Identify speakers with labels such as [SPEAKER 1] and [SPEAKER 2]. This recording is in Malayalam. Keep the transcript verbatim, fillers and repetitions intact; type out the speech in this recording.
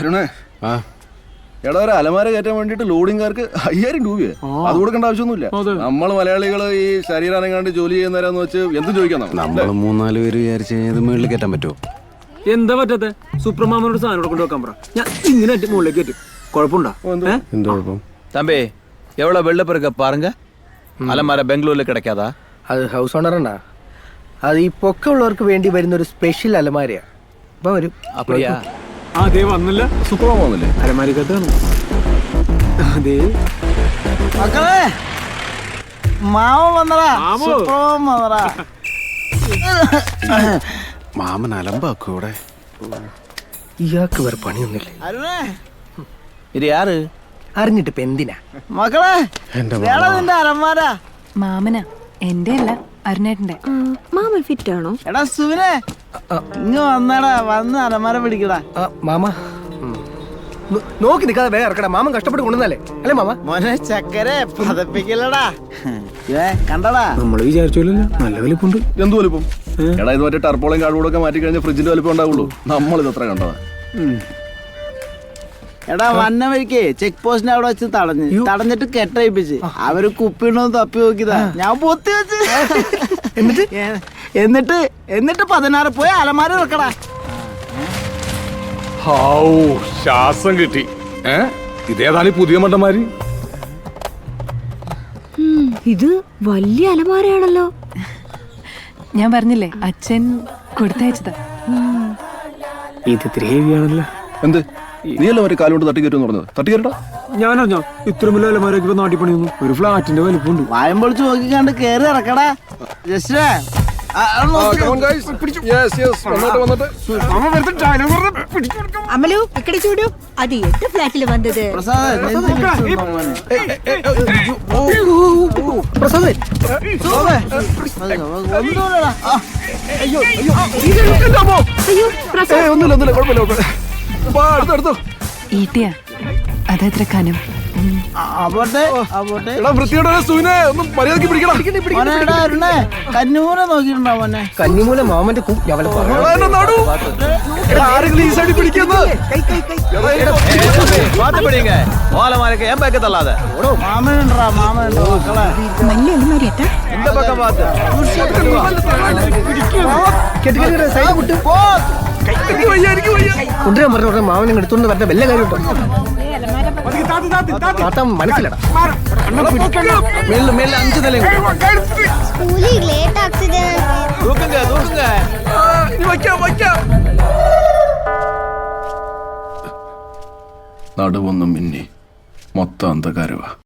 [SPEAKER 1] എടാ ഒരു അലമാര കയറ്റാൻ വേണ്ടിട്ട് ലോഡിംഗുകാർക്ക് അയ്യായിരം രൂപയെ അത് കൊടുക്കേണ്ട ആവശ്യമൊന്നുമില്ല. നമ്മൾ മലയാളികൾ ഈ ശരീരം അനങ്ങാണ്ട് ജോലി ചെയ്യുന്നവരാന്ന് വെച്ച് എന്തും ചോദിക്കാം.
[SPEAKER 2] നമ്മൾ മൂന്നാല് പേര് വിചാരിച്ച് മുകളിൽ കയറ്റാൻ പറ്റുമോ?
[SPEAKER 3] എന്താ പറ്റാത്ത സൂപ്രമാമനോട് സാധനം കൊണ്ട് വെക്കാൻ പറ. ഞാൻ ഇങ്ങനെ മുകളിലേക്ക് കയറ്റും. കുഴപ്പമുണ്ടോ?
[SPEAKER 2] എന്ത് കുഴപ്പം?
[SPEAKER 4] தம்பி எவ்வளோ வெள்ளப்பு இருக்க பாருங்க. அலமார பெங்களூர்ல கிடைக்காதா?
[SPEAKER 5] അത് ഹൗസ് ഓണറുണ്ടാ. അത് ഈ പൊക്കമുള്ളവർക്ക് വേണ്ടി വരുന്ന ഒരു സ്പെഷ്യൽ അലമാരയാ. അപ്പൊ വരും.
[SPEAKER 4] அப்படியா?
[SPEAKER 3] അതേ വന്നില്ല.
[SPEAKER 1] സൂപ്പർമാൻ വന്നില്ലേ?
[SPEAKER 3] അലമാരിക്കകത്താണ്. അതെ
[SPEAKER 5] മക്കളെ മാമ വന്നടാ. സൂപ്പർമാൻ വന്നടാ.
[SPEAKER 2] മാമൻ അലമ്പാക്കൂടെ.
[SPEAKER 5] ഇയാൾക്ക് വേറെ പണിയൊന്നുമില്ലേ?
[SPEAKER 4] இது யாரு?
[SPEAKER 5] അറിഞ്ഞിട്ട് ഇപ്പൊ എന്തിനാ?
[SPEAKER 6] മക്കളെ
[SPEAKER 2] എന്റെ
[SPEAKER 6] നിന്റെ അലമാര.
[SPEAKER 7] മാമന എന്റെ അല്ല അരുണേട്ടന്റെ.
[SPEAKER 8] മാമൻ ഫിറ്റ് ആണോ?
[SPEAKER 6] എടാ സുവിനെ ഇങ്ങ് വന്നടാ, വന്ന് അലമാര പിടിക്കടാ.
[SPEAKER 5] ആ, മാമ നോ- നോക്കി നിൽക്കാതെ വേറെ ഇറക്കടാ. മാമൻ കഷ്ടപ്പെട്ട് കൊണ്ടുവന്നല്ലേ അല്ലേ മാമ?
[SPEAKER 6] മോനെ ചക്കരെ പതപ്പിക്കലടാ. ഏ കണ്ടടാ,
[SPEAKER 3] നമ്മള് വിചാരിച്ചോല്ലോ നല്ല വലിപ്പുണ്ട്.
[SPEAKER 1] എന്ത് വലിപ്പം? എടാ ഇത് മറ്റേ ടർപ്പോളയും കാർഡ്ബോർഡൊക്കെ മാറ്റി കഴിഞ്ഞാൽ ഫ്രിഡ്ജിന്റെ വലിപ്പം ഉണ്ടാവുള്ളൂ. നമ്മളിത് എത്ര കണ്ടതാ?
[SPEAKER 6] എടാ വന്ന വഴിക്ക് ചെക്ക് പോസ്റ്റിന്റെ അവിടെ വെച്ച് തടഞ്ഞ് തടഞ്ഞിട്ട് കെട്ടയിപ്പിച്ച് അവര് കുപ്പിണ്ടോ തപ്പി നോക്കിയതാ. ഞാൻ പൊത്തി വെച്ച് എന്നിട്ട് എന്നിട്ട് എന്നിട്ട് പതിനാറ് പോയി അലമാര വെക്കടാ.
[SPEAKER 1] ശ്വാസം കിട്ടി. ഇതേതായാലും പുതിയ മണ്ടന്മാര്.
[SPEAKER 8] ഇത് വലിയ അലമാരയാണല്ലോ.
[SPEAKER 7] ഞാൻ പറഞ്ഞില്ലേ അച്ഛൻ കൊടുത്തയച്ചതാ.
[SPEAKER 3] ഇത് ഇത്തിരി ഹെവിയാണല്ലോ.
[SPEAKER 1] എന്ത് നീയല്ലോ മറ്റേ കാലുകൊണ്ട് തട്ടിക്കയറ്റെന്ന് പറഞ്ഞത്? തട്ടിക്കയറ്റടാ.
[SPEAKER 3] ഞാനറിഞ്ഞോ ഇത്ര വലിയ അലമാരൊക്കെ ഇപ്പൊ നാട്ടിൽ പണിയൊന്നു. ഒരു ഫ്ലാറ്റിന്റെ വലിപ്പമുണ്ട്.
[SPEAKER 6] വായം പൊളിച്ച് നോക്കിക്കാണ്ട് കേറി ഇറക്കടാ. ജസ്റ്റ്
[SPEAKER 8] അമലു ഇക്കടെ ചൂടു. അത് എട്ട് ഫ്ലാറ്റില് വന്നത്.
[SPEAKER 5] പ്രസാദേ
[SPEAKER 8] അയ്യോ പ്രസാദ്.
[SPEAKER 1] ഒന്നുമില്ല ഒന്നുമില്ല കുഴപ്പമില്ല കുഴപ്പമില്ല. അടുത്തടുത്തോ
[SPEAKER 7] ഈട്ടിയാ അതെത്ര കനം?
[SPEAKER 6] അപ്പോട്ടെ അപ്പോട്ടെ
[SPEAKER 1] എടാ വൃത്തിയോടെ സൂനെ ഒന്നും മര്യാദക്ക് പിടിക്കണം.
[SPEAKER 6] മോനെ എടാ അരുണേ കന്നൂര നോക്കിയിട്ടുണ്ടോ മോനെ?
[SPEAKER 5] കന്നിമൂല മാമന്റെ കൂ ഞാൻ വല്ല പറയാം.
[SPEAKER 1] ആരെങ്കിലും ഈ സൈഡിൽ പിടിക്കുന്നത്?
[SPEAKER 4] பார்த்து பிடிங்க. ஓலமாருக்கு என் பக்கம் தள்ளாத.
[SPEAKER 6] മാമനുണ്ടാ മാമനുണ്ടോ മക്കളെ?
[SPEAKER 8] വലിയ അലമാരയാട്ടാ.
[SPEAKER 4] இந்த பக்கம் பார்த்து.
[SPEAKER 5] സൈഡ് വിട്ട് കൊണ്ടുവരാൻ പറഞ്ഞ ഉടനെ മാമനെ എടുത്തോണ്ട് വരേണ്ട വല്ല കാര്യം താത്ത മനസ്സിലടാ.
[SPEAKER 4] மேல மேல அஞ்சு நிலையும்.
[SPEAKER 9] സ്കൂളിൽ ലേറ്റ് ആക്സിഡന്റ്.
[SPEAKER 4] தூக்குங்க தூக்குங்க.
[SPEAKER 1] നടുവൊന്നും മിന്നി മൊത്തം അന്ധകാരവാ.